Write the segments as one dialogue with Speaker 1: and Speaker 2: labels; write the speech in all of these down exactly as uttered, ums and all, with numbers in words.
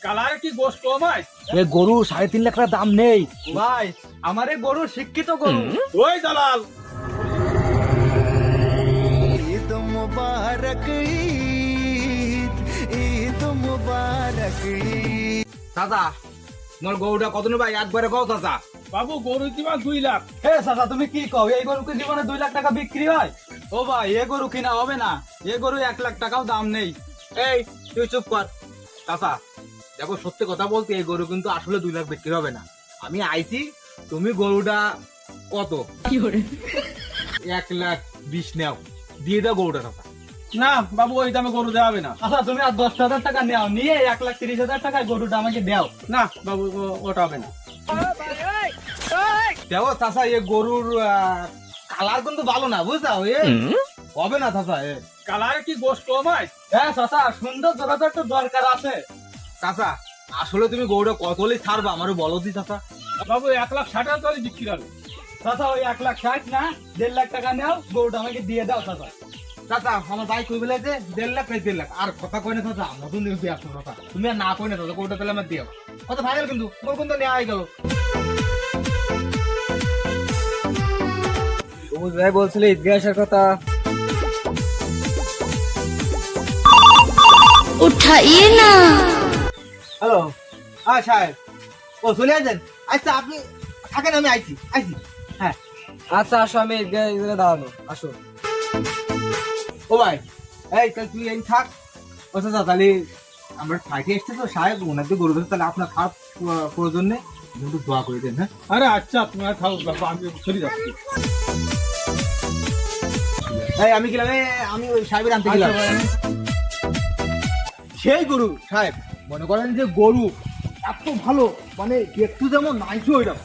Speaker 1: Colour কি গোশ কম হয়?
Speaker 2: এ গরু সাড়ে তিন লাখ টাকা দাম নেই
Speaker 1: ভাই আমার এই গরু শিক্ষিত গরু। ওই দালাল,
Speaker 3: ঈদ মুবারক ঈদ ঈদ মুবারক ঈদ।
Speaker 2: চাচা তোমার গরুটা কত নেবে একবারে কও চাচা।
Speaker 1: বাবু গরু দিবা দুই লাখ।
Speaker 2: হে চাচা তুমি কি কও, এই গরু কি জীবনে দুই লাখ টাকা বিক্রি হয়?
Speaker 1: ও ভাই এ গরু কিনা হবে না, এ গরু এক লাখ টাকাও দাম নেই।
Speaker 2: এই তুই চুপ কর চাচা। দেখো সত্যি কথা বলতে এই গরু কিন্তু আসলে দুই লাখ বিক্রি হবে না। আমি আইছি, তুমি গরুটা কত এক লাখ বিশ নেও, দিয়ে দাও গরুটা চাচা।
Speaker 1: না বাবু ওই দামে গরু দেওয়া হবে না।
Speaker 2: আচ্ছা তুমি আর দশ হাজার টাকা নেও, নিয়ে এক লাখ তিরিশ হাজার টাকায় গরুটা আমাকে দাও।
Speaker 1: না বাবু ও- ওটা হবে না।
Speaker 2: দেখো চাচা এ গরুর কালার কিন্তু ভালো না বুঝছো, এ হবে না চাচা। এ
Speaker 1: কালার কি গোশ কম হয়?
Speaker 2: হ্যাঁ চাচা সুন্দর জোড়া তো একটু দরকার আছে। চাচা আসলে তুমি গরুটা কত হলে ছাড়বা আমারও বলো দি চাচা।
Speaker 1: বাবু এক লাখ ষাট হাজার টাকা বিক্রি হবে।
Speaker 2: চাচা ওই এক লাখ ষাট না দেড় লাখ টাকা নাও, গরুটা আমাকে দিয়ে দাও চাচা। চাচা আমার ভাই কই বলে যে দেড় লাখ এই দেড় লাখ আর কথা কই না চাচা, নতুন নিউজ দিয়ে আসছো চাচা, তুমি আর না কই না চাচা, গরুটা তাহলে আমার দিও। কথা ফাইনাল কিন্তু গরু কিন্তু নেওয়া হয়ে গেল। সবুজ ভাই বলছিলে ঈদগাহ আসার কথা।
Speaker 4: उठाइए ना।
Speaker 2: হ্যালো হ্যাঁ সাহেব, ও চলে আসেন। আচ্ছা আপনি থাকেন, আমি আইছি আইছি। হ্যাঁ আচ্ছা আসো, আমি ঈদগাহ দাঁড়ানো, আসো। ও ভাই এই তাহলে তুই এই থাক। ও চাচা তাহলে আমরা ফ্লাইটে এসছে তো সাহেব, ওনার যে গরু ধরে, তাহলে আপনার খারাপ প্রয়োজন নেই, একটু দোয়া করে দেন। হ্যাঁ
Speaker 1: আরে আচ্ছা তোমার থাকুক বাবু, আমি চলে যাচ্ছি।
Speaker 2: এই আমি গেলাম, এই আমি ওই সাহেবের আনতে গেলাম। সেই গরু সাহেব, মনে করেন যে গরু এত ভালো, মানে একটু যেমন নাইছো ওইরকম।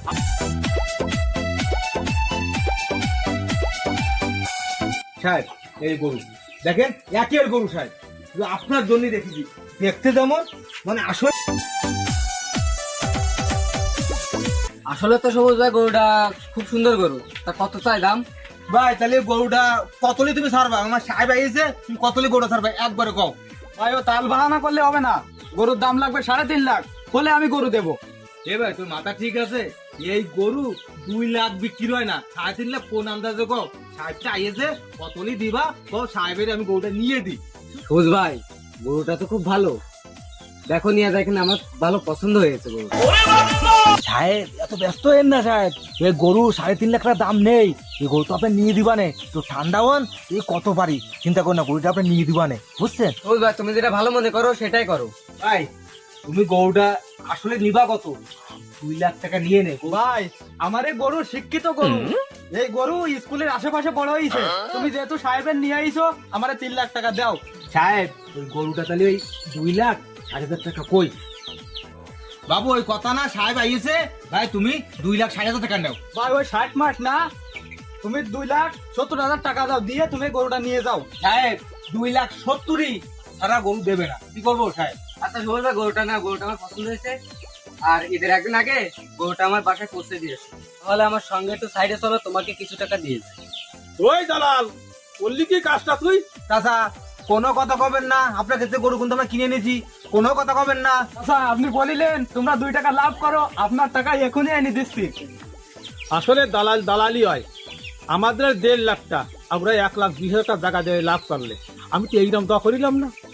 Speaker 2: সাহেব এই গরু দেখেন, একের গরু সাহেব, শুধু আপনার জন্য দেখেছি, দেখতে যেমন মানে আসলে
Speaker 5: আসলে তো সবুজ ভাই গরুটা খুব সুন্দর গরু, তা কত চাই দাম?
Speaker 2: ভাই তাহলে গরুটা কতলি তুমি ছাড়বা? আমার সাহেব আইছে, তুমি কতলি গরু ছাড়বা একবারে কও।
Speaker 1: ভাই ও তাল বাহানা করলে হবে না, গরুর দাম লাগবে সাড়ে তিন লাখ, হলে আমি গরু দেবো।
Speaker 2: এ ভাই তোর মাথা ঠিক আছে? এই গরু দুই লাখ বিক্রি হয় না, সাড়ে তিন লাখ কোন আন্দাজে কও। সাহেবটা আইয়েছে, কতলি দিবা কও, সাহেবের আমি গরুটা নিয়ে দিই।
Speaker 5: সবুজ ভাই গরুটা তো খুব ভালো, দেখো নিয়ে দেখেন আমার ভালো পছন্দ হয়েছে গরু।
Speaker 2: সাহেব এত ব্যস্ত হেন না সাহেব, এই গরু সাড়ে তিন লাখ টাকা দাম নেই, এই গরু তো আপনি নিয়ে দিবানে, তো ঠান্ডা হন এই কত পারি চিন্তা করুন না, গরুটা আপনি নিয়ে দিবানে, বুঝছেন?
Speaker 5: সবুজ ভাই তুমি যেটা ভালো মনে করো সেটাই করো।
Speaker 2: ভাই তুমি গরুটা আসলে নিবা কত? দুই লাখ টাকা নিয়ে নে।
Speaker 1: ভাই আমার এই গরু শিক্ষিত গরু, এই গরু স্কুলের আশেপাশে বড় হয়েছে, তুমি যেহেতু সাহেবের নিয়ে আইছো, আমার তিন লাখ টাকা দাও।
Speaker 2: সাহেব ওই গরুটা তাহলে ওই দুই লাখ ষাট হাজার টাকা কই? বাবু ওই কথা না, সাহেব আইয়েছে, ভাই তুমি দুই লাখ ষাট হাজার টাকা নাও।
Speaker 1: ভাই ওই ষাট মাস না, তুমি দুই লাখ সত্তর হাজার টাকা দাও, দিয়ে তুমি গরুটা নিয়ে যাও।
Speaker 2: সাহেব দুই লাখ সত্তরই সারা গরু দেবে না, কি করবো সাহেব?
Speaker 5: আচ্ছা সবুজ ভাই গরুটা না, গরুটা আমার পছন্দ হয়েছে, আর ঈদের একদিন আগে গরুটা আমার বাসায় পৌঁছে দিয়েছে, তাহলে আমার সঙ্গে একটু সাইডে চলো, তোমাকে কিছু টাকা দিয়ে যায়।
Speaker 1: ওই দালাল বললি কি কাজটা তুই?
Speaker 2: চাচা কোনো কথা কবেন না, আপনার ক্ষেত্রে গরু কিন্তু আমরা কিনে নিয়েছি, কোনো কথা কবেন না।
Speaker 1: আচ্ছা আপনি বলিলেন তোমরা দুই টাকা লাভ করো, আপনার টাকা এখনই এনে দিচ্ছি। আসলে দালাল দালালি হয়, আমাদের দেড় লাখটা আমরা এক লাখ বিশ হাজার টাকা জায়গা দিয়ে লাভ করলে আমি তো এইরকম তো করিলাম না।